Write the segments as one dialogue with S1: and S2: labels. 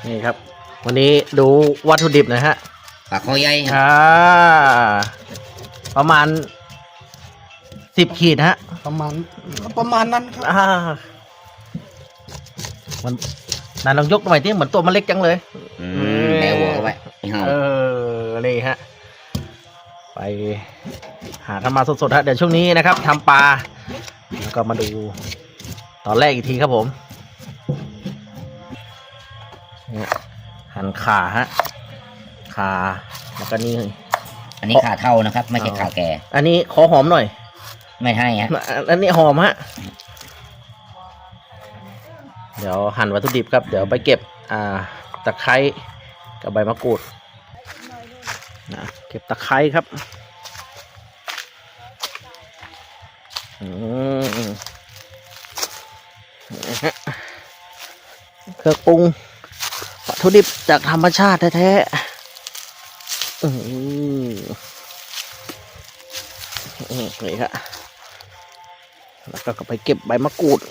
S1: นี่ครับวันนี้ดูวัตถุดิบนะฮะ
S2: ปลาคอใหญ่
S1: ประมาณ10 ขีดฮะ
S3: ประมาณนั้นครับ
S1: มันนายลองยกหน่อยที่เหมือนตัวมันเล็กจังเลย
S2: แมวหัวไว้
S1: นี่ฮะไปหาทำมาสดๆฮะเดี๋ยวช่วงนี้นะครับทำปลาแล้วก็มาดูตอนแรกอีกทีครับผมหั่นขาฮะขาแล้วก็นี่
S2: อันนี้ขาเท่านะครับไม่ใช่ขาแก่
S1: อันนี้ขอหอมหน่อย
S2: ไม่ให้ฮะ
S1: อันนี้หอมฮะเดี๋ยวหั่นวัตถุดิบครับเดี๋ยวไปเก็บตะไคร้กับใบมะกรูดนะเก็บตะไคร้ครับเครื่องปรุงวัตถุดิบจากธรรมชาติแท้ๆนี่ครับแล้วก็ไปเก็บใบมะกรูด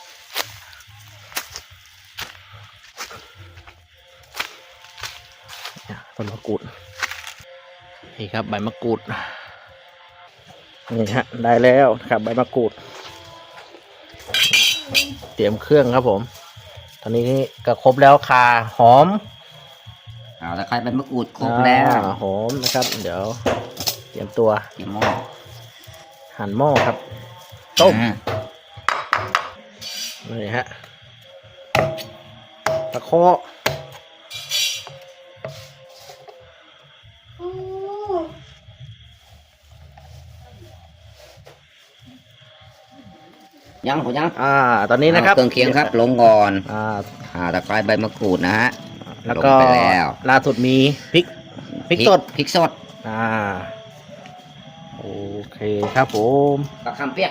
S1: ต้นมะกรูดนี่ครับใบมะกรูดนี่ฮะได้แล้วครับใบมะกรูดเตรียมเครื่องครับผมตอนนี้ก็ครบแล้วข่าหอม
S2: ตะไคร้ใบมะกรูดครบแล้ว
S1: หอมนะครับเดี๋ยวเตรียมตัว
S2: หม้อ
S1: หั่นหม้อครับต้มนี่ฮะตะไคร้
S2: ยัง
S1: ตอนนี้นะครับ
S2: เครื่องเคียงครับลงก่อนตะไคร้ใบมะกรูดนะฮะ
S1: แล้วก็ล่าสุดมีพริกสดโอเคครับผม
S2: กระคำเปียก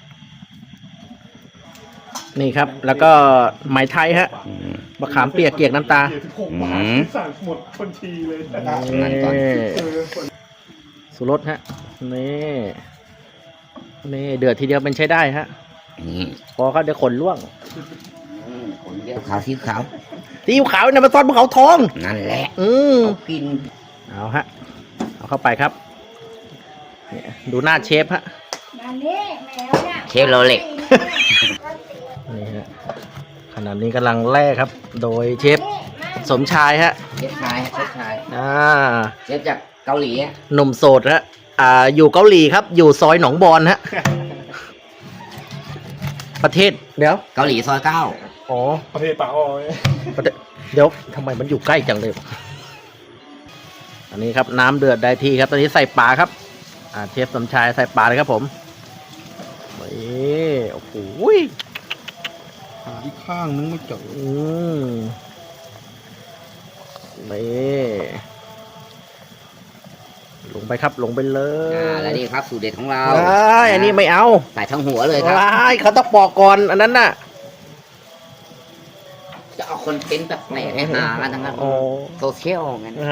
S1: นี่ครับแล้วก็ไหมไทยฮะมะขามเปียกเกี๊ยกน้ำตา
S3: สั่งหมดคนทีเลย
S1: สุรสฮะนี่เดือดทีเดียวเป็นใช้ได้ฮะพอเขาเดี๋ยวขนล่วง
S2: ขาวซีอิ๊วขาว
S1: เนี่ยมันซอสภูเขาทอง
S2: นั่นแหละกิน
S1: เอาฮะเอาเข้าไปครับดูหน้าเชฟฮะ
S2: เชฟโรเล็ก
S1: นี่ฮะขณะนี้กำลังแล่ครับโดยเชฟสมชายฮะ
S2: เชฟชายเชฟจากเกาหลี
S1: หนุ่มโสดฮะอยู่เกาหลีครับอยู่ซอยหนองบอนฮะประเทศเดี๋ยว
S2: เกาหลีซอย9
S3: อ๋อประเทศป่าอ้อย
S1: เดี๋ยวทำไมมันอยู่ใกล้จังเลยอันนี้ครับน้ำเดือดได้ที่ครับตอนนี้ใส่ปลาครับเชฟสมชายใส่ปลาเลยครับผมโอ้โห
S3: อีกข้างนึงไม่เจอ
S1: ลงไปครับลงไปเลย
S2: แล้วนี่ครับสูตรเด็ดของเรา
S1: อันนี้ไม่เอา
S2: ใส่ทั้งหัวเลยครับ
S1: เขาต้องปอกก่อนอันนั้นน่ะ
S2: จะเอาคนเป็นแบบไหนให้หากันทั้งนั้นโซเชียลงั้น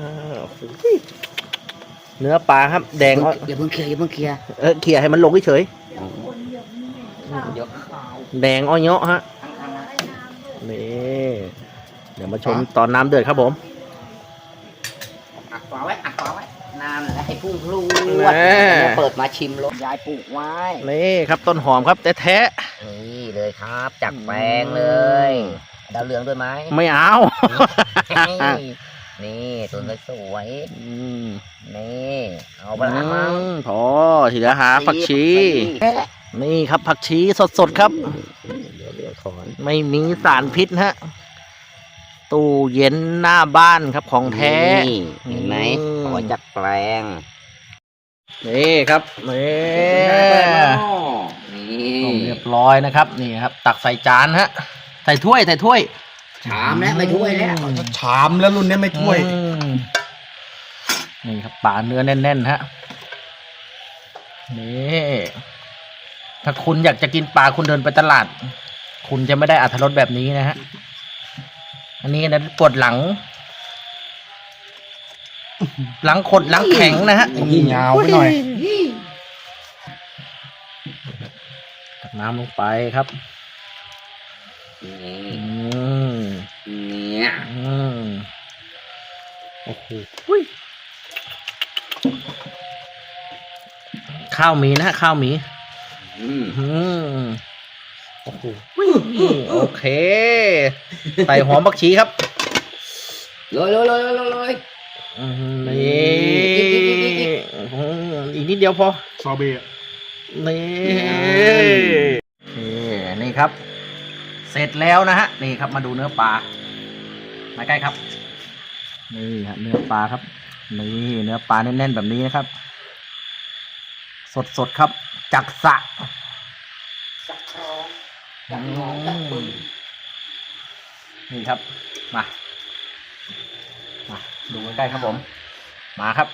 S1: เนื้อปลาครับแดง
S2: อย่าเพิ่งเคลียร์
S1: เคลียร์ให้มันลงเฉยแดงอ้อยเนาะฮะนี่เดี๋ยวมาชมตอนน้ำเดือดครับผม
S2: อัดฝาไว้น้ำแล้วให้พุ่งพลูเปิดมาชิมรสยายปลูกไว้
S1: นี่ครับต้นหอมครับแท้
S2: นี่เลยครับจากแปลงเลยดาวเรืองด้วยไหม
S1: ไม่เอา
S2: นี่ต้นสวยนี่เอาไปละมั้ง
S1: พอทีละหาผักชีนี่ครับผักชีสดๆครับไม่มีสารพิษฮะตู้เย็นหน้าบ้านครับของแท้
S2: เห็นไหมขอจัดแปลง
S1: นี่ครับนี่เรียบร้อยนะครับนี่ครับตักใส่จานฮะใส่ถ้วย
S2: ชามแล้วไม่ถ้วยแล้ว
S3: ชามแล้วรุ่นนี้ไม่ถ้วย
S1: นี่ครับปลาเนื้อแน่นๆฮะนี่ถ้าคุณอยากจะกินปลาคุณเดินไปตลาดคุณจะไม่ได้อรรถรสแบบนี้นะฮะอันนี้นะปวดหลังขดหลังแข็งนะฮะ
S3: ยาวไปหน่อย
S1: ตักน้ำลงไปครับ
S2: เนี่ย
S3: โอ้โห
S1: ข้าวหมีนะฮะข้าวหมี
S2: อืม
S1: อืม
S3: โอ้โห
S1: โอเค ใส่หอมผักชีครับ
S2: เลย
S1: นี่อีกนิดเดียวพอ
S3: ซอเบะ
S1: นี่นี่ครับ เสร็จแล้วนะฮะ นี่ครับมาดูเนื้อปลามาใกล้ครับ นี่ฮะเนื้อปลาครับ นี่เนื้อปลาแน่นๆแบบนี้นะครับ สดๆครับ จากสระ
S2: สักครองจากหนองจากบึง
S1: นี่ครับ มาดูใกล้ๆครับผม มาครับ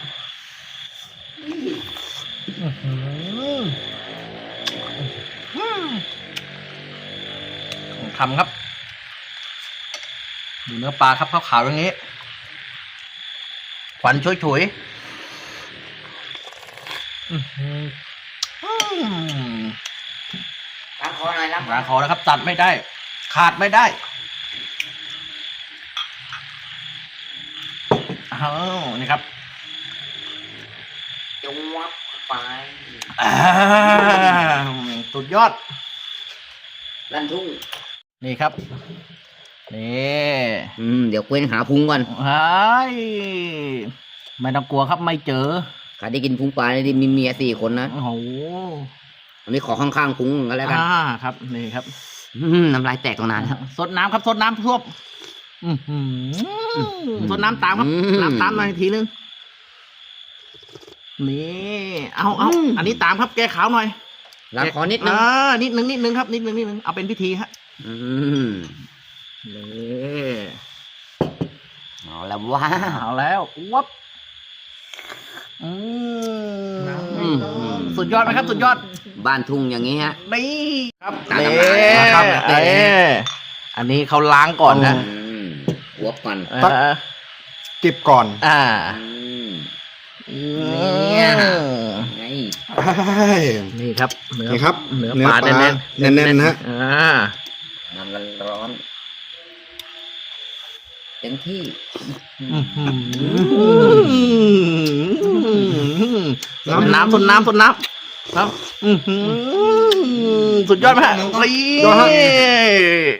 S1: ของทำครับ ดูเนื้อปลาครับขาวๆอย่างนี้ควันฉุยๆ
S2: ล้างคอหน่อยล้าง
S1: ล้างคอแล้วครับ ตัดไม่ได้ ขาดไม่ได้อ้าวนี่ครับ
S2: จงวับไป
S1: สุดยอด
S2: ลั่นทุ่ง
S1: นี่ครับ นี่
S2: เดี๋ยวเว้นหาพุงก่อน
S1: เฮ้ยไม่ต้องกลัวครับไม่เจอ
S2: ใครได้กินพุงปลาได้มีเมีย4 คนนะ
S1: โอ้โห
S2: อันนี้ขอข้างๆพุงก็แล้วกัน
S1: ครับนี่ครับ
S2: น้ำลายแตกตรงนั้นครับ
S1: สดน้ำครับสดน้ำท่วมสดน้ำตามครับ น้ำตามหน่อยทีนึงนี่เอาอันนี้ตามครับแก้ขาวหน่อย
S2: ล้างคอนิดนึง
S1: นิดนึงครับนิดนึงเอาเป็นพิธีฮะ นี่
S2: เอาแล้วว้า
S1: เอาแล้ววับสุดยอดไหมครับ สุดยอด
S2: บ้านทุ่งอย่างนี้ฮะ
S1: นี่ครับ
S2: ตาม
S1: นี่
S2: น้ำลายนะครับ
S1: อันนี้เขาล้างก่อนนะ
S2: หัวก่อน
S3: เก็บก่อน
S2: เนี่ยไง
S1: นี่ครับเนื้อ
S3: นี่ครับ
S1: เนื้อปลาแน่น
S3: แน่นๆนะฮะ
S2: น้ำร้อนเต็มที่
S1: สดน้ำครับสุดยอดไหมฮะ
S3: ยอดฮะ